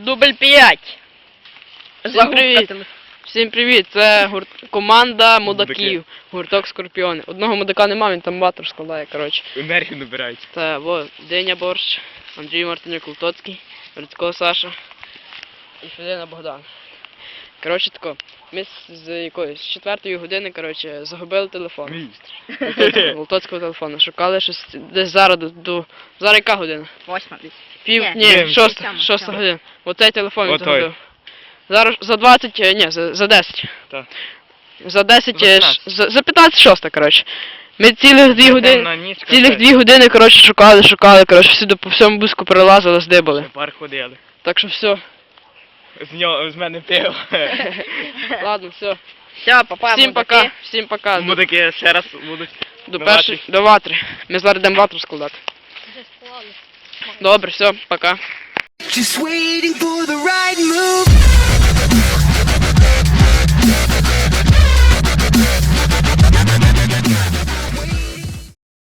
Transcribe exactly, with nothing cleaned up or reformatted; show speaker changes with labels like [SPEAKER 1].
[SPEAKER 1] Дубль п'ять. Всім привіт. Всім привіт. Це гурт... команда мудаків. Гурток Скорпіони. Одного мудака нема, він там ватру складає, коротше.
[SPEAKER 2] Енергію набирають.
[SPEAKER 1] Це, во, Деня Борщ, Андрій Мартинюк Лутоцький, Рудько Саша і Федина Богдан. Коротше тако, ми з якоїсь з четвертої години, коротше, загубили телефон.
[SPEAKER 2] Мій.
[SPEAKER 1] Лутоцького телефону. Шукали щось десь зараз до, до... Зараз яка година?
[SPEAKER 3] Восьма десь.
[SPEAKER 1] Пів,
[SPEAKER 3] Ні,
[SPEAKER 1] ні,
[SPEAKER 2] ні,
[SPEAKER 1] шоста,
[SPEAKER 3] сьома,
[SPEAKER 1] шоста
[SPEAKER 3] сьома.
[SPEAKER 1] година. Оцей телефон він
[SPEAKER 2] Отой.
[SPEAKER 1] загубив. Зараз за двадцять, е, ні, за, за десять.
[SPEAKER 2] Так.
[SPEAKER 1] За десять,
[SPEAKER 2] За
[SPEAKER 1] е,
[SPEAKER 2] п'ятнадцять.
[SPEAKER 1] ш- за, за п'ятнадцять шоста, коротше. Ми цілих дві години,
[SPEAKER 2] На ніч
[SPEAKER 1] цілих дві години, коротше, шукали, шукали, коротше, всюди по всьому буску перелазили, здибали.
[SPEAKER 2] Пар ходили.
[SPEAKER 1] Так що все.
[SPEAKER 2] З нього, з мене пиво.
[SPEAKER 1] Ладно, все.
[SPEAKER 3] Все, папа,
[SPEAKER 1] Всім пока, всім пока. До,
[SPEAKER 2] Мудаки ще раз будуть.
[SPEAKER 1] до
[SPEAKER 2] на
[SPEAKER 1] першої,
[SPEAKER 2] ватрі.
[SPEAKER 1] до ватри. Ми зараз йдемо ватру складати. Добре, все, пока.
[SPEAKER 4] Just waiting for the right move.